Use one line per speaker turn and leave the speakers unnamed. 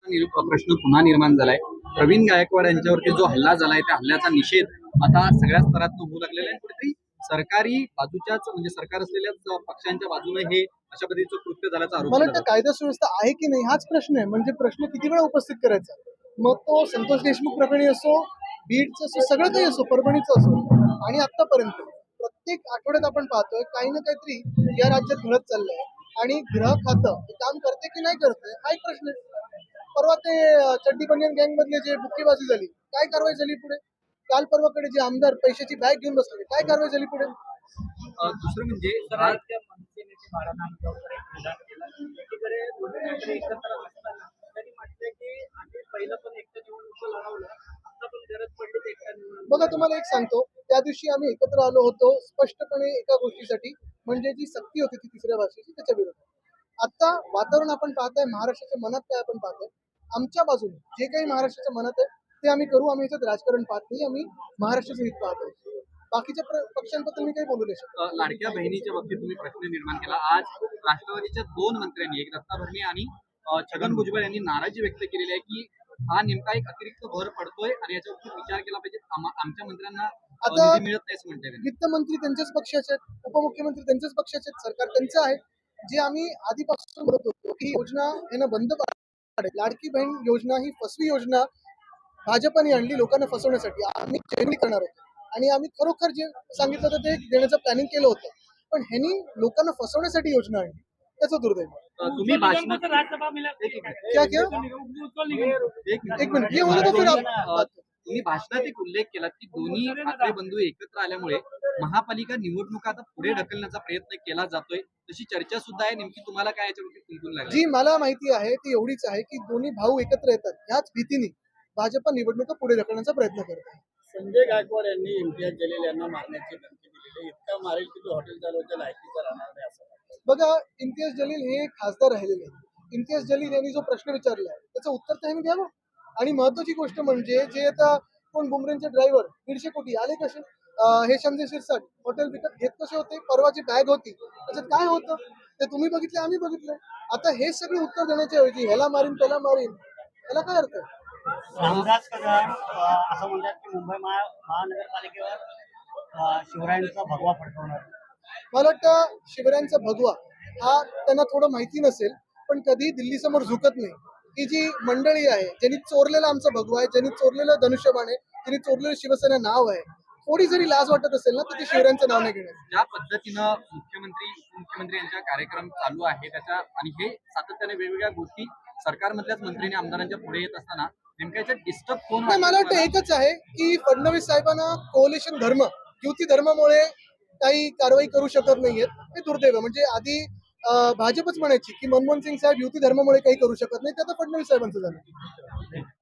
प्रश्न पुन्हा निर्माण झालाय. प्रवीण गायकवाड यांच्यावरती जो हल्ला झालाय त्या हल्ल्याचा निषेध आता सगळ्या स्तरातून होऊ लागलेला आहे. कुठेतरी सरकारी बाजूच्याच म्हणजे सरकार असलेल्या पक्षांच्या बाजूने हे अशा पद्धतीचं कृत्य झाल्याचा आरोप
मला
केला
वाटतं
जातो.
कायदा सुव्यवस्था आहे की नाही हाच प्रश्न आहे. म्हणजे प्रश्न किती वेळा उपस्थित करायचा. मग तो संतोष देशमुख प्रकरणी असो, बीडचं असो, सगळं काही असो, परभणीचं असो, आणि आतापर्यंत प्रत्येक आठवड्यात आपण पाहतोय काही ना काहीतरी या राज्यात घडत चाललंय. आणि गृह खातं हे काम करते की नाही करते हा एक प्रश्न आहे. परवा ते चड्डी बनियन गँग मधले जे बुक्केबाजी झाली, काय कारवाई झाली पुढे? काल परवाकडे जे आमदार पैशाची बॅग घेऊन बसले, काय कारवाई झाली पुढे?
दुसरं म्हणजे
राज्य मनसेनेचे बाळा नागपूरकर एक विधान केलं. एकीकडे दोन्ही मंत्री एकत्र असताना त्यांनी म्हटलंय की आम्ही पहिलं पण एकटं निवडणूक लढवलं, आता पण गरज पडली तर एकटा निवडणूक.
बघा तुम्हाला एक सांगतो, त्या दिवशी आम्ही एकत्र आलो होतो स्पष्टपणे एका गोष्टीसाठी, म्हणजे जी सक्ती होती ती तिसऱ्या भाषेची त्याच्या विरोधात. आता वातावरण आपण पाहताय, महाराष्ट्राच्या मनात काय आपण पाहतोय, आमच्या बाजूने जे काही महाराष्ट्राच्या मनात आहे ते आम्ही करू. आम्ही याच्यात राजकारण पाहत नाही, आम्ही महाराष्ट्राचं हित पाहतोय. बाकीच्या पक्षांबद्दल मी काही बोलू नाही शकत.
लाडक्या बहिणीच्या बाबतीत तुम्ही प्रश्न निर्माण केला. आज राष्ट्रवादीच्या दोन मंत्र्यांनी, एक दत्ता भरणे आणि छगन भुजबळ यांनी नाराजी व्यक्त केलेली आहे की हा नेमका एक अतिरिक्त भर पडतोय आणि याच्यावरती विचार केला पाहिजे. आमच्या मंत्र्यांना
आता
निधी मिळत नाही असं म्हणताय.
वित्तमंत्री त्यांच्याच पक्षाचे आहेत, उपमुख्यमंत्री त्यांच्याच पक्षाचे आहेत, सरकार त्यांचं आहे. जे आम्ही आधीपासून म्हणत होतो की योजना यानं बंद पाडेल. लाडकी बहीण योजना ही फसवी योजना भाजपने आणली लोकांना फसवण्यासाठी. आम्ही चेंगली करणार होतो आणि आम्ही खरोखर जे सांगितलं होतं ते देण्याचं प्लॅनिंग केलं होतं. पण ह्यांनी लोकांना फसवण्यासाठी योजना आणली, त्याचं दुर्दैव.
तुम्ही भाषणात
राज्यसभा मिला
क्या क्या एक मिनिट ये होने दो फिर आप.
तुम्ही भाषणात एक उल्लेख केला की दोन्ही ठाकरे बंधू एकत्र आल्यामुळे महापालिका निवडणुका आता पुढे ढकलण्याचा प्रयत्न केला जातोय, तशी चर्चा सुद्धा आहे. नेमकी तुम्हाला काय याच्यावरती कुंकून लागली?
जी मला माहिती आहे ती एवढीच आहे की दोन्ही भाऊ एकत्र येतात ह्याच भीतीने भाजप निवडणुका पुढे ढकलण्याचा प्रयत्न करत आहे.
संजय गायकवाड यांनी इम्तियाज जलील यांना मारण्याची धमकी दिलेली आहे. इतका मारेल की तो हॉटेल चालवायच्या लायकीचा राहणार नाही असं वाटतं.
बघा, इम्तियाज जलील हे खासदार राहिलेले आहेत. इम्तियाज जलील यांनी जो प्रश्न विचारला आहे त्याचं उत्तर त्यांनी द्यावं. आणि महत्वाची गोष्ट म्हणजे जे आता कोण बुमरेंचे ड्रायव्हर 150 कोटी आले कसे, हे संजय शिरसाट हॉटेल विकत घेत कसे होते, परवाची बॅग होती त्याच्यात काय होतं ते तुम्ही बघितलं, आम्ही बघितलं. आता हे सगळे उत्तर देण्याच्या ऐवजी ह्याला मारीन त्याला मारीन, याला काय अर्थ आहे?
रामदास कदम असं म्हणतात की मुंबई महानगरपालिकेवर शिवरायांचा भगवा फडकवणार.
मला वाटतं शिवरायांचा भगवा हा त्यांना थोडं माहिती नसेल, पण कधी दिल्ली समोर झुकत नाही. ही जी मंडळी आहे ज्यांनी चोरलेला आमचा भगवा आहे, ज्यांनी चोरलेलं धनुष्यबाण आहे, ज्यांनी चोरलेलं शिवसेना नाव आहे, थोडी जरी लाज वाटत असेल ना तर ते शिवरायांचं नाव नाही घेणार.
ज्या पद्धतीनं मुख्यमंत्री यांचा कार्यक्रम चालू आहे त्याच्या आणि हे सातत्याने वेगवेगळ्या गोष्टी सरकारमधल्याच मंत्र्यांनी आमदारांच्या पुढे येत असताना नेमक्या याच्यात डिस्टर्ब कोण
नाही, मला वाटतं एकच आहे की फडणवीस साहेबांना कोalition धर्म, युती धर्मामुळे काही कारवाई करू शकत नाहीयेत. हे दुर्दैव आहे. म्हणजे आधी भाजपच म्हणायची की मनमोहन सिंग साहेब युती धर्मामुळे काही करू शकत नाही, ते आता फडणवीस साहेबांचं झालं.